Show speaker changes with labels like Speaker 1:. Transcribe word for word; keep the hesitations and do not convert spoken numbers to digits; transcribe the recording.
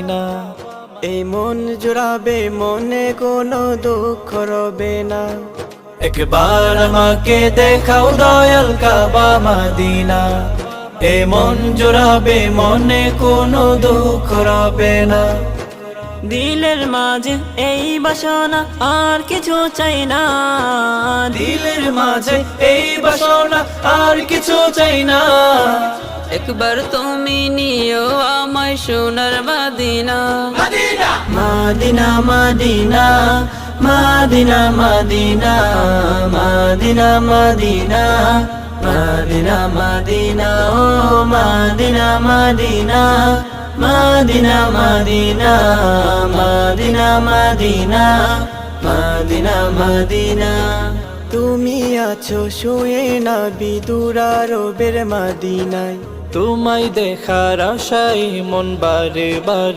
Speaker 1: মাদিনা। এই মন জুড়াবে, মনে কোনো দুঃখ রবে না। একবার আমাকে দেখাও দয়াল কাবা মাদিনা। এই মন জুড়াবে, মনে কোনো দুঃখ রবে না।
Speaker 2: দিলের মাঝে এই বাসনা আর কিছু চাই না।
Speaker 1: দিলের মাঝে এই বাসনা আর কিছু চাই না।
Speaker 2: একবার তুমি নিও আমায় সোনার Medina.
Speaker 1: Medina Medina Medina Medina Medina Medina Medina Medina ও Medina Medina Medina Medina Medina Medina Medina Medina. তুমি আছো শুয়ে না বিদুরা রবের মাদিনায়। তোমায় দেখার আশায় মন বারে বারে